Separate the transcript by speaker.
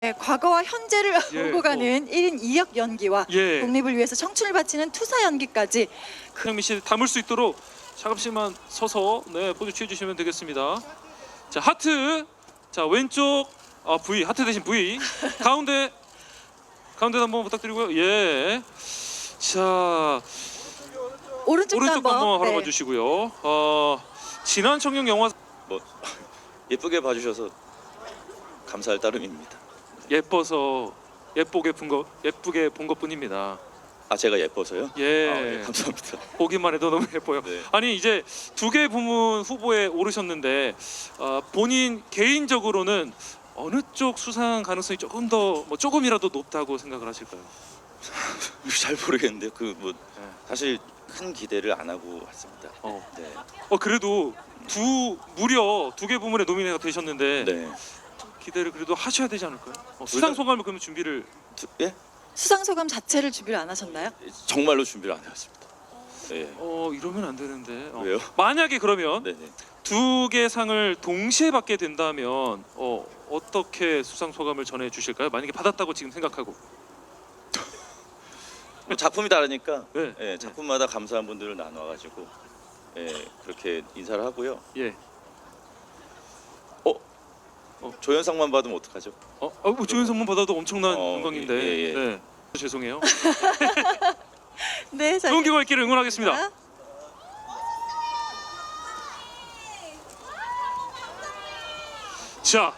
Speaker 1: 네, 과거와 현재를
Speaker 2: 예,
Speaker 1: 오고 가는 1인 2역 연기와
Speaker 2: 예.
Speaker 1: 독립을 위해서 청춘을 바치는 투사 연기까지
Speaker 2: 현미 씨 담을 수 있도록 잠시만 서서 네 포즈 취해 주시면 되겠습니다. 자 하트, 자 왼쪽 V 하트 대신 V 가운데 한번 부탁드리고요. 예. 자
Speaker 1: 오른쪽도
Speaker 2: 오른쪽도
Speaker 1: 한번
Speaker 2: 한번
Speaker 1: 네.
Speaker 2: 바라봐 주시고요. 지난 청룡 영화
Speaker 3: 뭐 예쁘게 봐주셔서 감사할 따름입니다.
Speaker 2: 예뻐서 예쁘게 본 것뿐입니다.
Speaker 3: 아 제가 예뻐서요?
Speaker 2: 예.
Speaker 3: 예, 감사합니다.
Speaker 2: 보기만 해도 너무 예뻐요.
Speaker 3: 네.
Speaker 2: 아니 이제 두 개 부문 후보에 오르셨는데 본인 개인적으로는 어느 쪽 수상 가능성이 조금 더 조금이라도 높다고 생각을 하실까요?
Speaker 3: 잘 모르겠는데요. 뭐
Speaker 2: 네.
Speaker 3: 사실 큰 기대를 안 하고 왔습니다. 네.
Speaker 2: 그래도 무려 두 개 부문에 노미네가 되셨는데
Speaker 3: 네.
Speaker 2: 기대를 그래도 하셔야 되지 않을까요? 수상 소감을 그러면 준비를
Speaker 3: 예?
Speaker 1: 수상 소감 자체를 준비를 안 하셨나요?
Speaker 3: 정말로 준비를 안 해왔습니다. 예.
Speaker 2: 이러면 안 되는데
Speaker 3: 왜요?
Speaker 2: 만약에 그러면
Speaker 3: 네네.
Speaker 2: 두 개 상을 동시에 받게 된다면 어떻게 수상 소감을 전해 주실까요? 만약에 받았다고 지금 생각하고
Speaker 3: 작품이 다르니까
Speaker 2: 네.
Speaker 3: 예, 작품마다 감사한 분들을 나눠가지고 예, 그렇게 인사를 하고요.
Speaker 2: 예.
Speaker 3: 조연상만 받으면 어떡하죠?
Speaker 2: 조연선만 받아도 엄청난 영광인데
Speaker 3: 예.
Speaker 2: 네. 죄송해요.
Speaker 1: 네, 자,
Speaker 2: 좋은 결과 있기를 응원하겠습니다. 자